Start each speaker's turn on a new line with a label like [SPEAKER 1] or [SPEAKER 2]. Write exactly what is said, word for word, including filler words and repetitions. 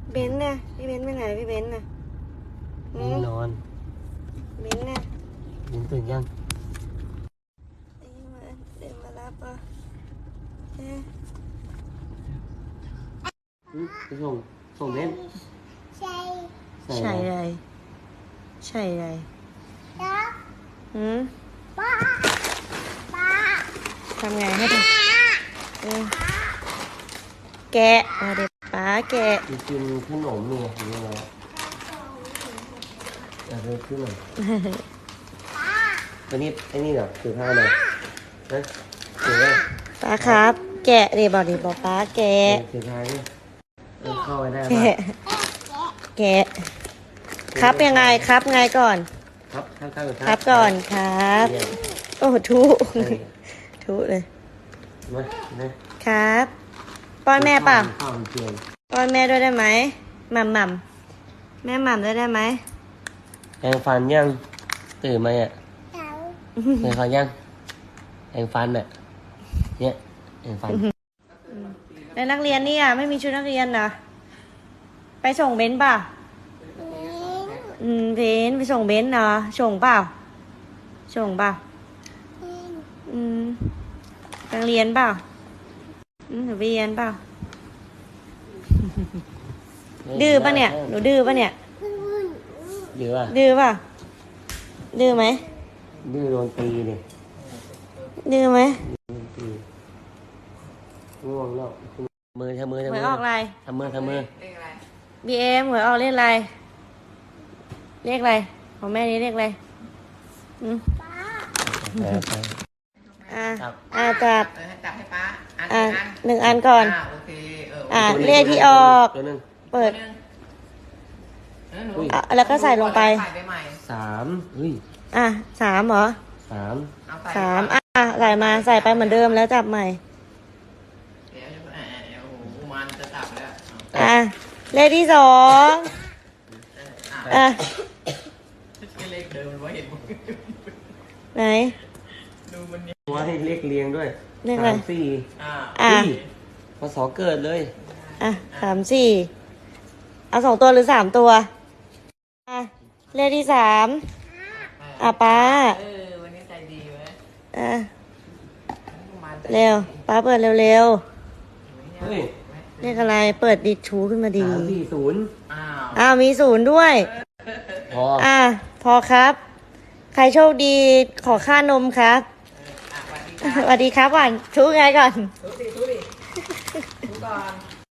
[SPEAKER 1] เบนน่ะพี่เบนไปไหนพี่เบนน่ะอืม
[SPEAKER 2] นอน
[SPEAKER 1] เบนน่ะ
[SPEAKER 2] ยินตื่นยัง
[SPEAKER 1] เดี๋ยวมาเดี๋ยวมารับอ่ะเอ๊ะ
[SPEAKER 2] อืมไปส่งส่งเล่น
[SPEAKER 3] ใช่
[SPEAKER 1] ใช่ไรใช่ไร
[SPEAKER 3] แล้ว
[SPEAKER 1] อืม
[SPEAKER 3] ป้าป้า
[SPEAKER 1] ทำไงให้ดูเออแกะมาเด็กป้าแกะ
[SPEAKER 2] ไปกินขนมเนี่ยหรืออะไรอะไรขึ้นหน่อยอันนี้ไอ้นี่เหรอถือผ้าหน่อยนะถือไว้
[SPEAKER 1] ป้าครับ แกะเดี๋ยวบอกดิบอกป้าแกะ
[SPEAKER 2] ถือผ้าเนี่ยเออเข้าไปได้
[SPEAKER 1] แกะ
[SPEAKER 2] ป่ะ
[SPEAKER 1] แกะครับยังไงครับไงก่อน
[SPEAKER 2] ครับครับครับ
[SPEAKER 1] ครับก่อนครับ
[SPEAKER 2] เยี่ยม
[SPEAKER 1] โอ้ทุ
[SPEAKER 2] ใช่
[SPEAKER 1] ทุเลย
[SPEAKER 2] มานะครับ
[SPEAKER 1] ป้อนแม่เปล่า
[SPEAKER 2] ข้าวมันเพียง
[SPEAKER 1] ป้อนแม่ด้วยได้ไหมหม่ำหม่ำแม่หม่ำด้วยได้ไหม
[SPEAKER 2] แปรงฟันยังตื่นไหมอ่ะ
[SPEAKER 3] แล้ว
[SPEAKER 2] แปรงฟันยังแปรงฟันอ่ะเนี่ยแปรงฟัน
[SPEAKER 1] แล้วนักเรียนนี่อ่ะไม่มีชุดนักเรียนนะไปส่งเบนซ์ป่ะ
[SPEAKER 3] นี่
[SPEAKER 1] อืมเบนซ์ไปส่งเบนซ์เนาะส่งเปล่าส่งเปล่า
[SPEAKER 3] นี่
[SPEAKER 1] อืมไปเรียนเปล่าอืมหนูไปเรียนเปล่าดื้อปะเนี่ยหนูดื้อปะเนี่ย
[SPEAKER 3] วุ่นวุ่น
[SPEAKER 2] ดื้อป่ะ
[SPEAKER 1] ดื้อป่ะดื้อไหม
[SPEAKER 2] ดื้อโดนตีเลย
[SPEAKER 1] ดื้อไหม
[SPEAKER 2] โดนตีง่วงแล้วมือทำมือทำ
[SPEAKER 1] หว
[SPEAKER 2] มื
[SPEAKER 1] ย
[SPEAKER 2] อ
[SPEAKER 1] ออกอะไร
[SPEAKER 2] ทำมือทำมือ
[SPEAKER 1] บีเอ็มหวยออกเลขอะไรเลขอะไรของแม่นี้เลขอะไรอืม
[SPEAKER 3] ป้า
[SPEAKER 2] แปลไป
[SPEAKER 1] อ่ะ
[SPEAKER 2] ครับ
[SPEAKER 1] อ่ะจับ
[SPEAKER 4] เออให้จับให้ป้าอัน
[SPEAKER 1] อ่ะ
[SPEAKER 4] หนึ่งอัน
[SPEAKER 1] หนึ่งอันก่อน
[SPEAKER 4] อ่าโอเคเออ
[SPEAKER 1] อ่ะ
[SPEAKER 2] ตัวหนึ่ง
[SPEAKER 1] เลขที่ออก
[SPEAKER 2] ตัวหนึ่ง
[SPEAKER 1] เปิด
[SPEAKER 4] หนึ่งเออหนู
[SPEAKER 2] อุ้ย
[SPEAKER 1] อ่ะแล้วก็ใส่ลงไป
[SPEAKER 4] ใส่ไปใหม่
[SPEAKER 2] สามเฮ้ย
[SPEAKER 1] อ่ะสามเหรอ
[SPEAKER 2] สาม
[SPEAKER 4] เอาใส่
[SPEAKER 1] สามอ่ะอ่ะใส่มาใส่ไปเหมือนเดิมแล้วจับใหม่
[SPEAKER 4] เดี๋ยวเดี๋ยวเดี๋ยวโอ้โหมันจะจับแล้ว
[SPEAKER 1] อ่ะเลขที่สอง
[SPEAKER 4] เอาอ่ะ
[SPEAKER 1] อ่ะ
[SPEAKER 4] ไม่เลขเดิมมันว่าเห็นมั้ย
[SPEAKER 1] ไหน
[SPEAKER 4] ดูมันเนี่ย
[SPEAKER 2] ว่าให้เลขเรียงด้วย
[SPEAKER 1] เลขอะไร
[SPEAKER 2] สามสี่
[SPEAKER 4] อ่า
[SPEAKER 1] อ่ะ
[SPEAKER 2] เฮ้ยพศเกิดเลย
[SPEAKER 1] อ่ะสามสี่เอาสองตัวหรือสามตัวอ่ะเลขที่สามอ่ะป้า
[SPEAKER 4] เออวันนี้ใจดีเว้ย
[SPEAKER 1] อ่ะ
[SPEAKER 4] มันใจ
[SPEAKER 1] เร็วป้าเปิดเร็ว
[SPEAKER 2] เฮ้ย
[SPEAKER 1] ๆเลขอะไรเปิดดิชูขึ้นมาดี
[SPEAKER 2] สามสี่ศูนย์
[SPEAKER 4] อ้าว
[SPEAKER 1] อ้าวมีศูนย์ด้วย
[SPEAKER 2] พอ
[SPEAKER 1] อ่ะพอครับ ใครโชคดีขอค่านมครับ
[SPEAKER 4] อ่ะสวัสดีครับ
[SPEAKER 1] สวัสดีครับก่อนชูไงก่อน
[SPEAKER 4] ทุกทีทุกทีทุกก่อน